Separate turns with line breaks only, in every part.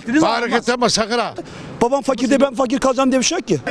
beklediğiniz zaman
Hareket
olmaz.
etme sakın ha.
Babam fakir de ben fakir kalacağım diye bir şey yok ki.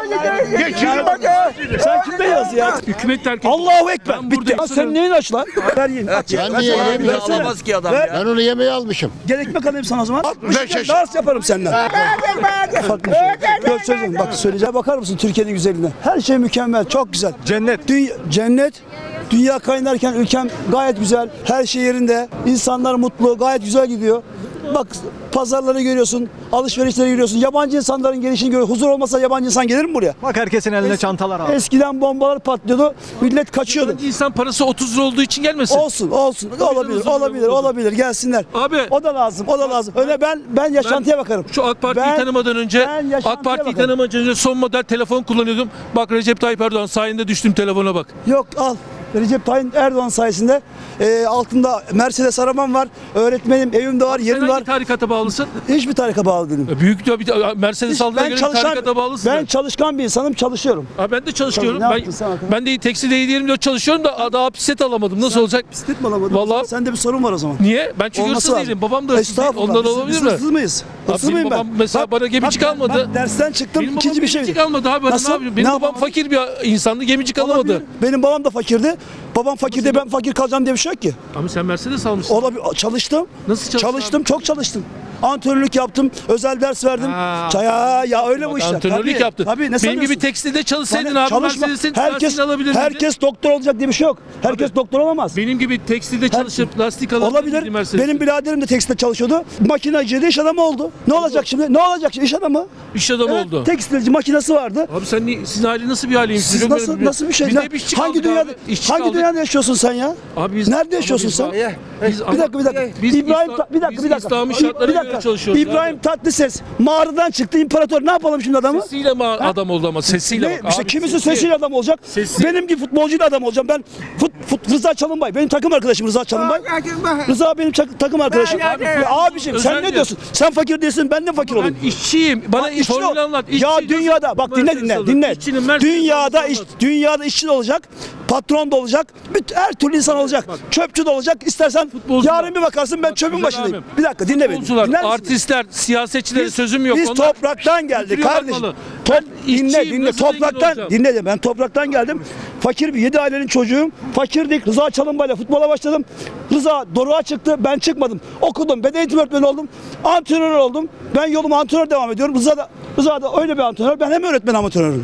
Geçin bak.
Sen kimde yaz ya?
Hükümet terk et.
Allahu Ekber.
Ben
Bitti.
buradayım.
Ha, sen neyin aç lan? Ver yiyin. Aç.
Ben niye yiyeyim ya?
Alamaz ki adam
Ver.
ya.
Ben onu yemeğe almışım.
Gel ekmek alayım sana o zaman.
65 yaş.
Dans yaparım senden. Farklı bir şey. Gör söyleyeyim. Bak söyleyeceğim. Bakar mısın Türkiye'nin güzelliğine? Her şey mükemmel. Çok güzel.
Cennet.
Cennet. Dünya kaynarken ülkem gayet güzel. Her şey yerinde. İnsanlar mutlu. Gayet güzel gidiyor. Bak pazarları görüyorsun. Alışverişleri görüyorsun. Yabancı insanların gelişini görüyorsun. Huzur olmasa yabancı insan gelir mi buraya?
Bak herkesin elinde çantalar abi.
Eskiden bombalar patlıyordu. Millet kaçıyordu.
İnsan parası 30 lira olduğu için gelmesin.
Olsun. Olabilir.
huzur
Olabilir.
olsun.
Olabilir. Gelsinler.
Abi.
O da lazım. O da lazım. Öyle ben yaşantıya bakarım.
Şu AK Parti'yi
Ben-
tanımadan önce
ben yaşantıya
AK Parti'yi
bakarım.
tanımadan önce son model telefon kullanıyordum. Bak Recep Tayyip Erdoğan sayende düştüm telefona bak.
Yok al. Recep Tayyip Erdoğan sayesinde altında Mercedes arabam var. Öğretmenim, evim de var,
Sen
yerim
hangi
var.
tarikata bağlısın?
Hiçbir tarika bağlı değilim.
Büyük bir Mercedes aldığına göre tarikata bağlısın.
ben çalışkan bir insanım, çalışıyorum.
Ben de çalışıyorum.
Tabii, ne yaptın sen bakalım?
Ben de tekstil 7/24 çalışıyorum da daha bisiklet alamadım. Nasıl olacak?
Bisiklet mi alamadın?
Vallahi-
Sende bir sorun var o zaman.
Niye? Ben çünkü
Olması
hırsız
lazım.
değilim. Babam da hırsız değil.
Estağfurullah.
Ondan
Biz
olabilir mi?
hırsız mıyız? Hırsız
benim
mıyım ben?
babam mesela bana gemicik almadı.
Ben dersten çıktım,
Benim
ikinci
babam
bir şey.
gemicik almadı abi. Ben
Nasıl?
ne yapayım? Benim
Ne
babam
yapalım?
fakir bir insandı. Gemicik alamadı.
Olabilir. Benim babam da fakirdi. Babam fakir de ben fakir kalacağım diye bir şey yok ki.
Ama sen Mercedes almışsın.
Olabilir. Çalıştım.
Nasıl çalıştın
Çalıştım, çok çalıştım. Antrenörlük yaptım, özel ders verdim.
Ha.
Ya öyle bu işler.
Antrenörlük
Tabii,
yaptın.
Tabii, ne
Benim
sanıyorsun?
gibi tekstilde çalışsaydın
Bana
abi
çalışma.
Mercedes'in lastiğini alabilirdin.
Herkes doktor olacak diye bir şey yok. Herkes doktor olamaz.
Benim gibi tekstilde çalışıp lastik alabilirdin
Olabilir.
Mercedes'in.
Benim biraderim de tekstilde çalışıyordu. Makinacıydı, iş adamı oldu. Ne olacak şimdi? Ne olacak şimdi? İş adamı.
İş adamı
Evet,
oldu.
tekstilci makinesi vardı.
Abi sizin aile nasıl bir aileymiş?
Siz
Biliyorum
nasıl bir şey?
Biz
Ya,
de işçi
hangi
kaldık
dünyada
abi. İşçi
hangi
kaldık.
dünyada yaşıyorsun sen ya?
Abi biz,
Nerede
ama
yaşıyorsun
biz-
sen?
Biz-
Bir dakika.
Biz
İbrahim
İslam-
bir dakika.
biz İslami şartlara göre çalışıyoruz
İbrahim
abi.
Tatlıses mağaradan çıktı imparator. Ne yapalım şimdi adamı?
Sesiyle mi adam oldu ama sesiyle
Ne?
bak
İşte
abi,
kimisi
sesi.
sesiyle adam olacak.
Sesi.
Benim gibi futbolcuyla adam olacağım. Ben Rıza Çalınbay. Benim takım arkadaşım Rıza Çalınbay. Rıza benim takım arkadaşım. Ya abiciğim sen ne diyorsun? Sen fakir değilsin, ben de fakir
Ben
olayım.
işçiyim. Bana
Bak, işçi
formül
ol.
anlat.
Ya
İşçi
dünyada bak dinle.
İşçinin Mercedes
Dünyada
olmaz.
dünyada işçi de olacak, patron da olacak, her türlü insan olacak. Çöpçü de olacak. İstersen
Futbolcular.
yarın bir bakarsın ben çöpün
güzel
başındayım.
abim.
Bir dakika dinle beni.
Futbolcular,
Dinler misin?
artistler, siyasetçilere sözüm yok.
Biz
Onlar
topraktan geldik
götürüyor
kardeşim.
bakmalı.
Dinle
işçiyim, nasıl zengin
topraktan
olacağım?
dinle de ben topraktan geldim. Fakir bir 7 ailenin çocuğuyum. Fakirdik. Rıza Çalınbay'la futbola başladım. Rıza doruğa çıktı. Ben çıkmadım. Okudum. Beden eğitim öğretmeni oldum. Antrenör oldum. Ben yoluma antrenör devam ediyorum. Rıza da öyle bir antrenör. Ben hem öğretmen antrenörüm.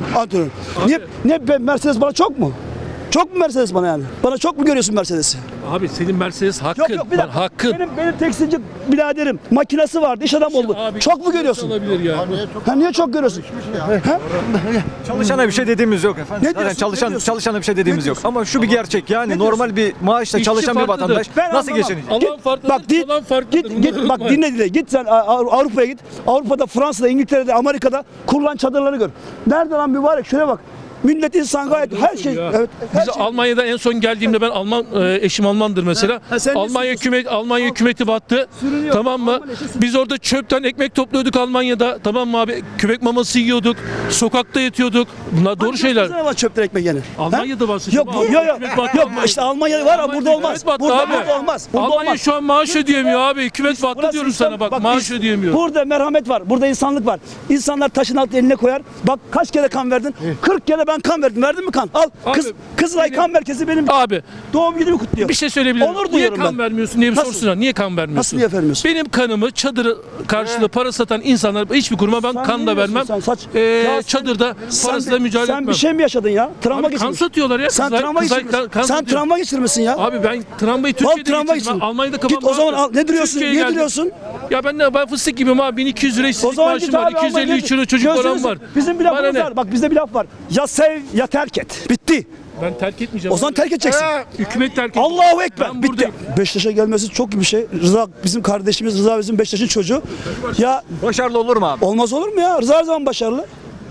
Ben Mercedes bana çok mu? Çok mu Mercedes bana yani? Bana çok mu görüyorsun Mercedes'i?
Abi senin Mercedes hakkın.
Yok bir dakika.
Hakkın.
Benim tekstilci biraderim makinesi vardı. İş adam oldu.
Abi,
Çok mu görüyorsun?
Olabilir ya.
Ha niye çok görüyorsun? Ha?
Çalışana bir şey dediğimiz yok efendim.
Ne
Zaten
diyorsun? Ne diyorsun?
çalışana bir şey dediğimiz yok. Ama şu bir gerçek yani
Ne
normal bir maaşla
İşçi
çalışan bir
farklıdır.
vatandaş
Ben
nasıl
anlamam.
geçinecek?
Alan farklıdır, kalan farklıdır.
Git
Bunları
bak
unutmayın.
dinle. Git sen Avrupa'ya git. Avrupa'da, Fransa'da, İngiltere'de, Amerika'da kurulan çadırları gör. Nerede lan mübarek? Şuraya bak. Millet insan gayet her şey.
Ya.
Evet. Her
Biz
şey.
Almanya'da en son geldiğimde ben eşim Almandır mesela.
Ha, sen ne
Almanya hükümeti battı.
Sürünüyor.
Tamam mı?
Alman eşi
Biz orada çöpten ekmek topluyorduk Almanya'da. Tamam mı abi? Köpek maması yiyorduk. Sokakta yatıyorduk. Bunlar doğru şeyler.
Ne var çöpten ekmek yani?
Almanya'da
Ha?
bahsediyorum
Yok
abi.
yok
Hükümet battı.
yok. İşte Almanya'da var ama burada olmaz.
Hükümet battı
Burada
abi.
olmaz. Burada
Almanya
olmaz.
şu an maaş ödeyemiyor abi. Hükümet battı
Burası
diyorum
İslam-
sana bak. Maaş ödeyemiyor.
Burada merhamet var. Burada insanlık var. İnsanlar taşın altı eline koyar. Bak kaç kere kan verdin? 40 kere ben kan verdim. Verdin mi kan? Al.
Abi,
Kızılay kan merkezi benim
Abi
doğum günümü kutluyor.
bir şey söyleyebilir miyim?
Onur
Niye
duyuyorum
kan
ben.
vermiyorsun diye bir
Nasıl?
sorsunlar. Niye kan vermiyorsun?
Nasıl niye vermiyorsun?
Benim kanımı çadırı karşılığı para satan insanlar hiçbir kuruma ben
Sen
kan
ne
da
diyorsun
vermem.
sen? Saç-
Ee,
Ya sen-
çadırda parasıyla mücadele
Sen
etmem.
bir şey mi yaşadın ya? Travma
Abi kan
geçirmiş.
satıyorlar ya.
Sen
Kızlar-
travma
kızlar
geçirmişsin.
kan
Sen
satıyor.
travma geçirmişsin ya.
Abi ben travmayı
Al
Türkiye'de
travma
geçirdim.
geçirmişsin.
Ben Almanya'da kafam
Git o zaman
rahat.
ne duruyorsun?
Türkiye'ye
Niye
geldim.
duruyorsun?
Ya ben fıstık gibiyim abi. 1200 lira
O
işsizlik
zaman
maaşım
git
var.
abi.
253 euro çocuk param var.
Bizim bir
Bana
lafımız
ne?
var. Bak bizde bir laf var. Ya sev ya terk et. Bitti.
Ben terk etmeyeceğim.
O zaman
abi.
terk edeceksin.
Hükümet terk ediyor.
Allahu Ekber.
Ben
Bitti.
buradayım.
Beşiktaş'a gelmesi çok iyi bir şey. Rıza bizim kardeşimiz. Rıza bizim Beşiktaş'ın çocuğu. Ya
Başarılı olur mu abi?
olmaz olur mu ya? Rıza her zaman başarılı.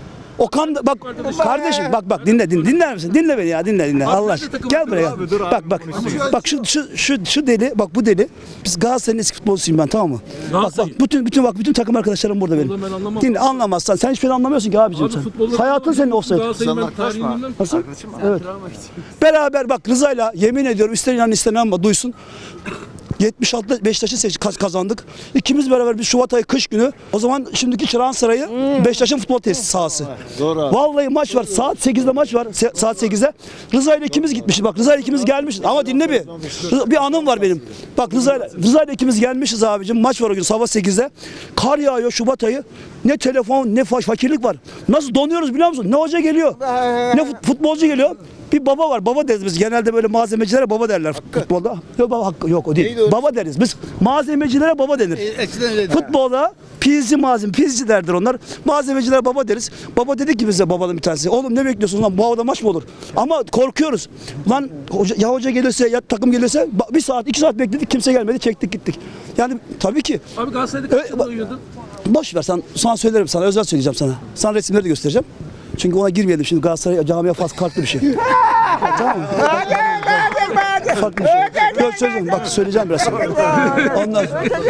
Okan da bak kardeşim bak dinler misin? Dinle beni ya dinle Allah aşkına.
takım
Gel
dur
buraya.
abi, dur abi,
Bak bak şu deli bak bu deli. Biz Galatasaray'ın eski futbolcusuyum ben tamam mı?
Galatasaray.
Bak bütün takım arkadaşlarım burada benim.
Vallahi ben anlamam.
Dinle anlamazsan sen hiçbir şey anlamıyorsun ki abicim sen. Hayatın senin offside.
Galatasaray'ın ben tarihini bilmem.
Nasıl? Evet. Beraber bak Rıza'yla yemin ediyorum ister inan ister inanma duysun. 76'da Beşiktaş'ı kazandık. İkimiz beraber bir Şubat ayı kış günü. O zaman şimdiki Çırağan Sarayı Beşiktaş'ın futbol tesisi sahası. Vallahi maç var. Saat 8'de maç var. Saat 8'de. Rıza ile ikimiz gitmişiz. Bak Rıza ile ikimiz gelmişiz. Ama dinle bir. Bir anım var benim. Bak Rıza ile ikimiz gelmişiz abicim. Maç var o gün sabah 8'de. Kar yağıyor Şubat ayı. Ne telefon ne fakirlik var. Nasıl donuyoruz biliyor musun? Ne hoca geliyor. Ne futbolcu geliyor. Bir baba var. Baba deriz biz. Genelde böyle malzemecilere baba derler futbolda. Yok baba hakkı yok o değil. Baba deriz. Biz malzemecilere baba denir. Futbolda pizci derdir onlar. Malzemecilere baba deriz. Baba dedi ki bize babanın bir tanesi. Oğlum ne bekliyorsun lan? Bu havada maç mı olur? Ama korkuyoruz. Lan hoca gelirse ya takım gelirse bir saat 2 saat bekledik. Kimse gelmedi. Çektik gittik. Yani tabii ki.
Abi Galatasaray'da kaç yılda uyuyordun?
Boş ver sana söylerim sana. Özel söyleyeceğim sana. Sana resimleri de göstereceğim. Çünkü ona girmeyelim şimdi Galatasaray camiye farklı bir şey. Tamam mı? Farklı bir şey. Söyleyeceğim. Bak söyleyeceğim biraz sonra. Ondan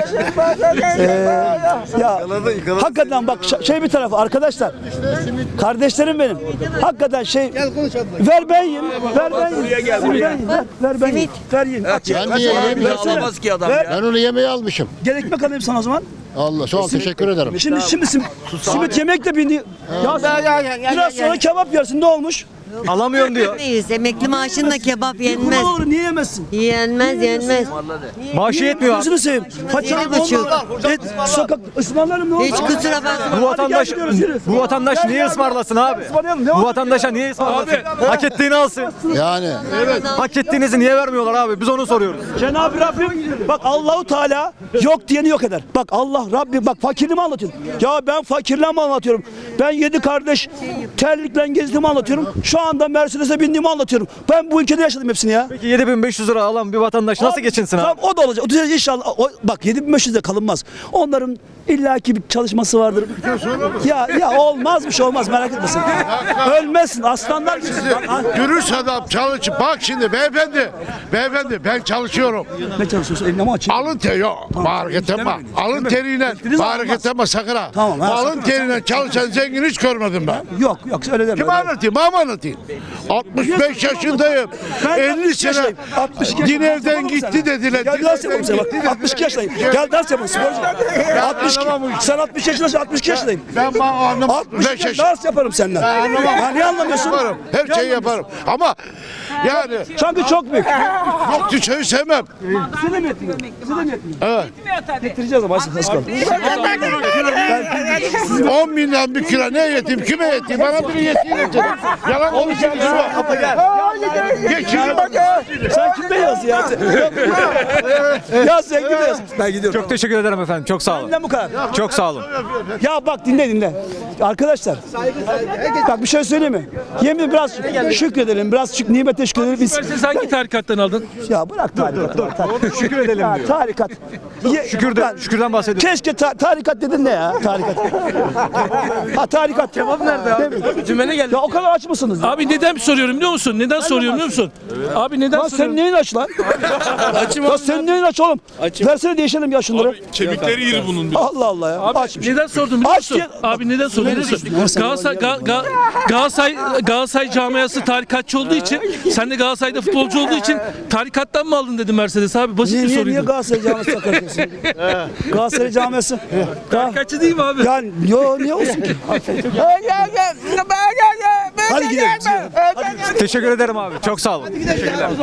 ya hakikaten bak şey bir tarafı arkadaşlar. Kardeşlerim benim. Hakikaten ver ben yiyeyim. Ver ben yiyeyim. Ver ben yiyeyim. Ver yiyeyim.
Ben niye yiyeyim?
Alamaz ki adam ya.
Ben onu yemeğe almışım.
Gel ekmek alayım sana o zaman.
Allah sağ ol teşekkür ederim.
Şimdi simit yemek de bindi. Ya biraz sonra kebap yersin ne olmuş?
Alamıyorum diyor.
Neyiz? Emekli maaşınla kebap yenmez.
Ne olur niye yemezsin?
Yenmez.
Maaşı yetmiyor.
Gözünü seveyim. Paçalı
7,5.
sokak ısmarlarım ne olur?
Hiç kusura bakma.
Bu vatandaş niye ısmarlasın abi? Bu vatandaşa niye ısmarlasın? Hak ettiğini alsın.
Yani
Hak ettiğinizi niye vermiyorlar abi? Biz onu soruyoruz.
Cenab-ı Rabbim bak Allahu Teala yok diyeni yok eder. Bak Allah Rabbim bak fakirliğimi anlatıyorum. Ya ben fakirliğimi anlatıyorum. Ben 7 kardeş terlikle gezdiğimi anlatıyorum. Şu anda Mercedes'e bindiğimi anlatıyorum. Ben bu ülkede yaşadım hepsini ya.
Peki 7.500 lira alan bir vatandaş nasıl geçinsin abi?
Tamam o da olacak. O da inşallah. Bak 7.500 de kalınmaz. Onların illaki bir çalışması vardır. Ya olmaz bir şey olmaz merak etmesin. Ölmezsin aslanlar gibi.
dürüst adam çalış. Bak şimdi beyefendi ben çalışıyorum.
Ne çalışıyorsun? Eline mi açayım?
Alın teri yok. Hareket etme. Alın teriyle hareket etme sakın ha.
Tamam, ha,
Alın
sakın.
teriyle çalışan zengin hiç görmedim ben.
Yok öyle deme.
Kim anlatayım? Mama anlatayım. 65 yaşındayım.
Ben
50 sene
62 yaşındayım.
din evden gitti dediler.
Gel
Din
ders
evden
yapalım sana bak.
gitti
62 yaşındayım. Gel ders yapalım sporcu. 62. Sen 60 yaşındasın 62 yaşındayım.
Ben anlamam.
62 ders yaparım senden. Ya niye anlamıyorsun?
Yaparım. Her şeyi yaparım. Ama yani
Çünkü çok büyük.
yok düşeyi sevmem.
Size de mi yetmiyor? Size de mi yetmiyor?
Evet.
Getireceğiz ama az kaldı.
10 binden bir kilo ne yeteyim kime yeteyim bana biri yeteyim yeteyim. Yalan konuşuyorsun. Geçin bak.
Sen kimde yaz ya? Ya sen kimde yaz? Ben gidiyorum.
Çok teşekkür ederim efendim. Çok sağ olun.
Benden bu kadar.
Çok sağ olun.
Ya bak dinle. Arkadaşlar. Bak bir şey söyleyeyim mi? Yemin biraz şükredelim. Biraz nimete şükredelim. Biz...
Sen hangi tarikattan aldın?
Ya bırak tarikatı.
Şükür edelim
Ya,
diyor.
tarikat.
Şükürden bahsediyoruz.
Keşke tarikat dedin ne ya? Tarikat. Ha tarikat. Cevap nerede abi?
Cümlene geldi.
Ya o kadar aç mısınız? Ya?
Abi neden soruyorum biliyor musun? Neden soruyorum biliyor musun? Abi neden
Lan sen
soruyorum?
neyin aç lan?
Açım
Ya sen neyin aç oğlum? Versene değişelim ya şunları.
Kemikleri iri bunun.
Allah Allah ya.
Abi
Açmış.
neden sordum biliyor
Aç
musun?
diye-
Abi neden sordum biliyor musun? Galatasaray camiası tarikatçı olduğu için, sen de Galatasaray'da futbolcu olduğu için tarikattan mı aldın dedi Mercedes abi. Basit bir
Niye
soruydu.
Galatasaray camiası sakarıyorsun? Galatasaray camiası.
Tarikatçı değil mi abi?
Yani niye olsun ki? Hadi gidelim.
Teşekkür ederim abi. Çok sağ olun. Teşekkürler.